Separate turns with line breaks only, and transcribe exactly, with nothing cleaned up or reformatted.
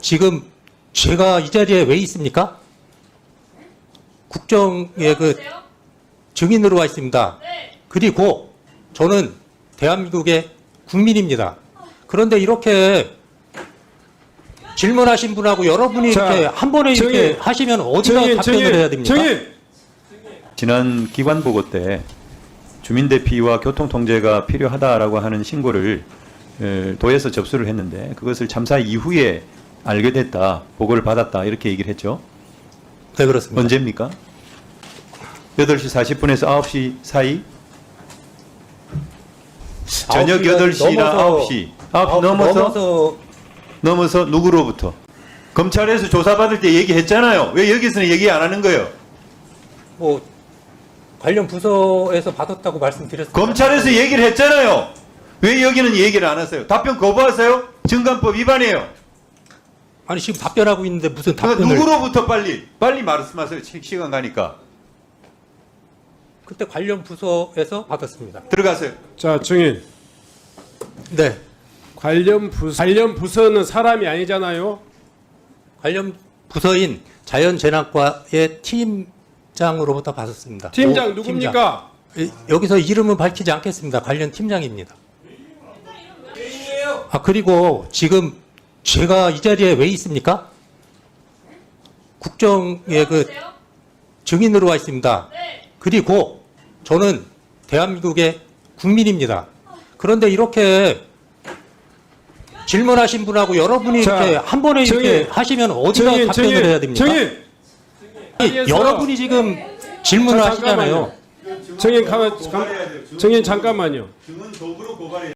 지금 제가 이 자리에 왜 있습니까? 국정의 그 증인으로 와 있습니다. 그리고 저는 대한민국의 국민입니다. 그런데 이렇게 질문하신 분하고 여러분이
자,
이렇게 한 번에 이렇게
증인,
하시면 어디다
증인,
답변을
증인,
해야 됩니까?
증인.
지난 기관 보고 때 주민 대피와 교통 통제가 필요하다라고 하는 신고를 에, 도에서 접수를 했는데 그것을 참사 이후에 알게 됐다, 보고를 받았다 이렇게 얘기를 했죠.
네, 그렇습니다.
언제입니까? 여덟 시 사십 분에서 아홉 시 사이? 저녁
아홉 시가
여덟 시나
넘어서-
아홉 시. 아홉 시
아홉 시
넘어서?
넘어서
넘어서 누구로부터? 검찰에서 조사받을 때 얘기했잖아요. 왜 여기서는 얘기 안 하는 거예요?
뭐 관련 부서에서 받았다고 말씀드렸습니다.
검찰에서 얘기를 했잖아요. 왜 여기는 얘기를 안 하세요? 답변 거부하세요? 증감법 위반이에요.
아니 지금 답변하고 있는데 무슨
그러니까
답변을?
누구로부터 빨리 빨리 말씀하세요. 시- 시간 가니까.
그때 관련 부서에서 받았습니다.
들어가세요.
자, 증인.
네,
관련 부서, 관련 부서는 사람이 아니잖아요.
관련 부서인 자연재난과의 팀장으로부터 받았습니다.
팀장
오,
누굽니까?
팀장. 이- 여기서 이름은 밝히지 않겠습니다. 관련 팀장입니다. 아 그리고 지금 제가 이 자리에 왜 있습니까? 국정의 그 증인으로 와 있습니다. 그리고 저는 대한민국의 국민입니다. 그런데 이렇게 질문하신 분하고 여러분이
자,
이렇게 한 번에 이렇게
증인,
하시면 어디다
증인,
답변을
증인,
해야 됩니까?
증인.
아니, 여러분이 지금 질문을
자,
하시잖아요.
잠깐만요. 증인, 가만, 감- 증인 잠깐만요.
증언 도구로 고발해.